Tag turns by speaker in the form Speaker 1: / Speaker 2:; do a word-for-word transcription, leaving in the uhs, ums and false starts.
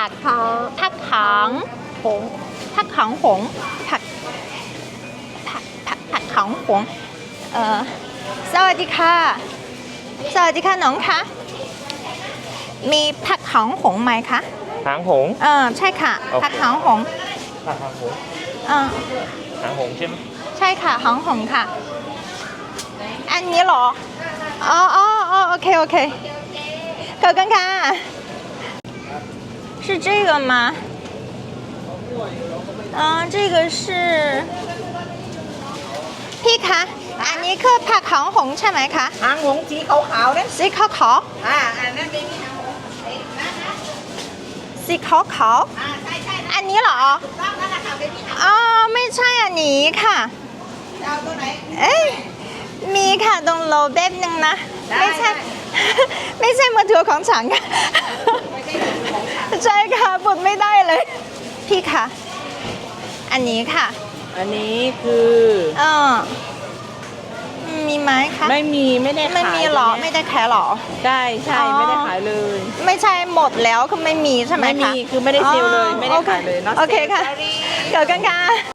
Speaker 1: ผักผักขังหงผักขังหงผักผักผักผักขังหงเอ่อสวัสดีค่ะสวัสดีค่ะน้องคะมีผักขังหงไหมคะ
Speaker 2: หางหงส์
Speaker 1: เออใช่ค่ะ
Speaker 2: โอเค
Speaker 1: ผักขังหง
Speaker 2: หางหงส์
Speaker 1: เออ
Speaker 2: หางหงส์ใช่ไหม
Speaker 1: ใช่ค่ะหางหงค่ะ อันนี้เหรออ๋ออ๋ออ๋อโอเคโอเคขอบคุณค่ะ是这个吗啊这个是พี่คะอันนี้คือผักหางหงใช่ไหมคะ
Speaker 3: หางหงส์สีขาวๆนั่น
Speaker 1: สีขาวขาว
Speaker 3: อ่าอันนั้นเป็นหางหงส์เอ๊ะนะนะ
Speaker 1: สีขาวขาว
Speaker 3: อ่าใช่ใช่
Speaker 1: อันนี้เหรอ
Speaker 3: ถูกต้องนั่นแหละค่ะเป็นที่หาง
Speaker 1: อ๋อไม่ใช่อันนี้ค่ะ
Speaker 3: จะเอาตัวไหน
Speaker 1: เอ้ยมีค่ะตรงโลแป๊บนึงนะ
Speaker 3: ได้
Speaker 1: ไม่ใช่
Speaker 3: ได้
Speaker 1: ไม่ใช่มือถือของฉันค่ะ
Speaker 3: ไม่ใช่ของฉัน
Speaker 1: ใช่ค่ะปุดไม่ได้เลย พี่คะอันนี้ค่ะ
Speaker 3: อันนี้คือ
Speaker 1: เออมีไหมคะ
Speaker 3: ไม่มีไม่ได้ขาย
Speaker 1: ไม่มีหรอ
Speaker 3: ตัว
Speaker 1: ไม่
Speaker 3: เนี้ย
Speaker 1: ได้ขายหรอ
Speaker 3: ใช่ใช่
Speaker 1: อ๋อ
Speaker 3: ไม่ได้ขายเลย
Speaker 1: ไม่ใช่หมดแล้วคือไม่มีใช่ไหมคะ
Speaker 3: ไม่มีคือไม่ได้เซลล์เลยไม่ได้ขายเลย not
Speaker 1: โอเค
Speaker 3: sale
Speaker 1: ค่ะ
Speaker 3: sorry
Speaker 1: เกิดกันค่ะ